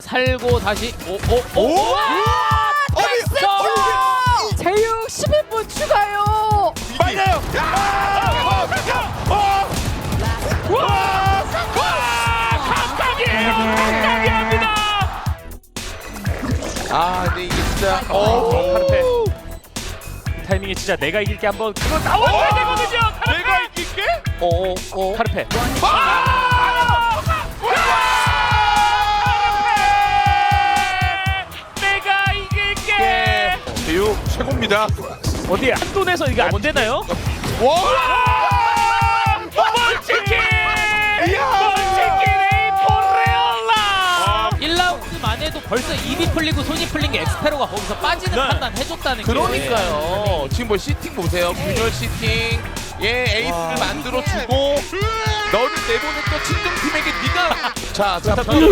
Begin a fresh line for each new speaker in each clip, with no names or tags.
살고 다시 오.
제육 11분 추가요.
맞아요.
감사합니다.
아, 근데 이게 진짜
카르페. 이 타이밍에 진짜 내가 이길게 한번 그거 나와야 되거든요. 카르페.
내가 이길게?
카르페.
내가 이길게.
제육 최고입니다.
어디 한돈에서 이게 안 되나요?
와!
먼치킨! 먼치킨 에이포레올라!
1라운드만 해도 벌써 입이 풀리고 손이 풀린 게 엑스페로가 거기서 빠지는
네.
판단 해줬다는 게.
그러니까요. 지금 뭐 시팅 보세요. 균열 시팅. 에이스를 만들어 주고 너를 내보냈던 친정팀에게 네가 자,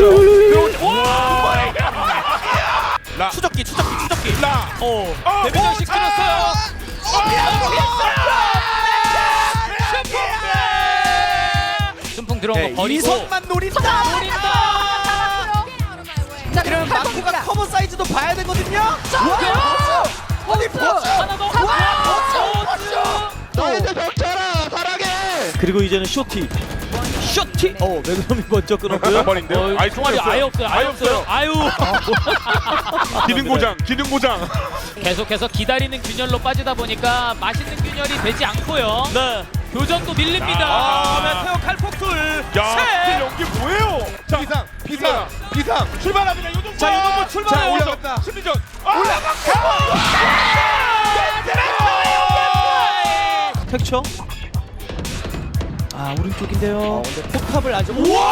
라.
추적기.
라.
대변장식 끊었어요. 순풍 들어온 거 버리고.
이선만 노린다.
자,
이러면 마코가 커버 사이즈도 봐야 되거든요.
아니
하나 더.
너희들 덮쳐라 사랑해.
그리고 이제는 쇼티. 매그넘이 먼저 끊었고요.
버린대요. 아이
총알이 아예 없어요. 아예 없어요. 아유.
기능 고장.
계속해서 기다리는 균열로 빠지다 보니까 맛있는 균열이 되지 않고요.
네.
교전도 밀립니다.
메테오 칼폭툴.
야, 연기 뭐예요? 자, 비상. 출발합니다. 요동보.
자, 요동보 출발해요.
자, 올라갔다. 심리전.
텍처. 아 오른쪽인데요. 포탑을 아주.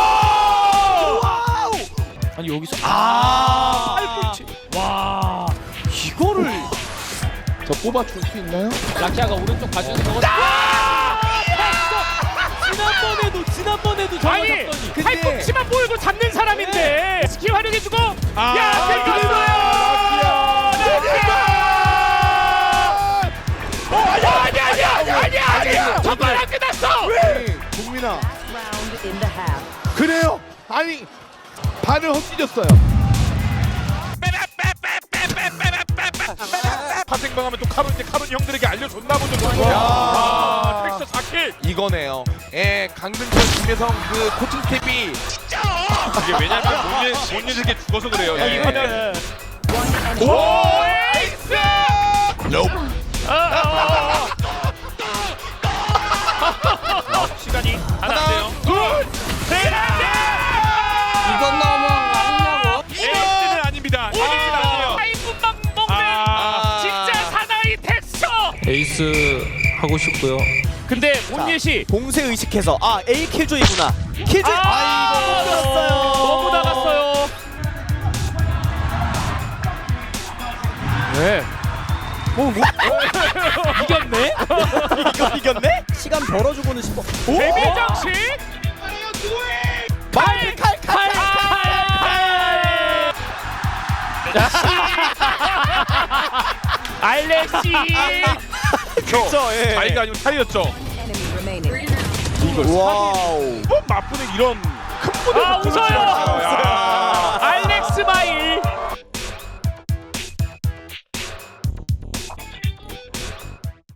와우!
아니 여기서
팔꿈치.
와 이거를
저 뽑아줄 수 있나요?
라키아가 오른쪽 봐주는 거거든요. 지난번에도 저거
아니,
잡더니.
팔꿈치만 보여도 잡는 사람인데 스킬 활용해주고. 야, 들켰어요. 아니야. 정말 안 끝났어.
국민아. 그래요? 아니 발을 헛디뎠어요. 파생방하면 또 카론 형들에게 알려줬나 보죠. 텍스처 4킬. 이거네요. 강등철 김혜성 그 코칭 스텝이 이게 왜냐면 못 예지게 죽어서 그래요.
이거는
오 에이스!
시간이 하나 안 돼요.
둘, 셋.
이건 너무 아니냐고.
에이스는 아닙니다. 에이스는 아니에요. 8분만 먹는 진짜 사나이 텍스처.
에이스 하고 싶고요.
근데 온예시
봉쇄 의식해서 A 킬조이구나. 킬조이.
너무 나갔어요.
네. 이겼네?
이거 이겼네? 시간 벌어주고는 싶어.
데뷔장식
칼.
알렉시
그쵸. 예.
자기가 아니고 차이였죠.
와우.
뭐 맞부는 이런 큰 무대
웃어요.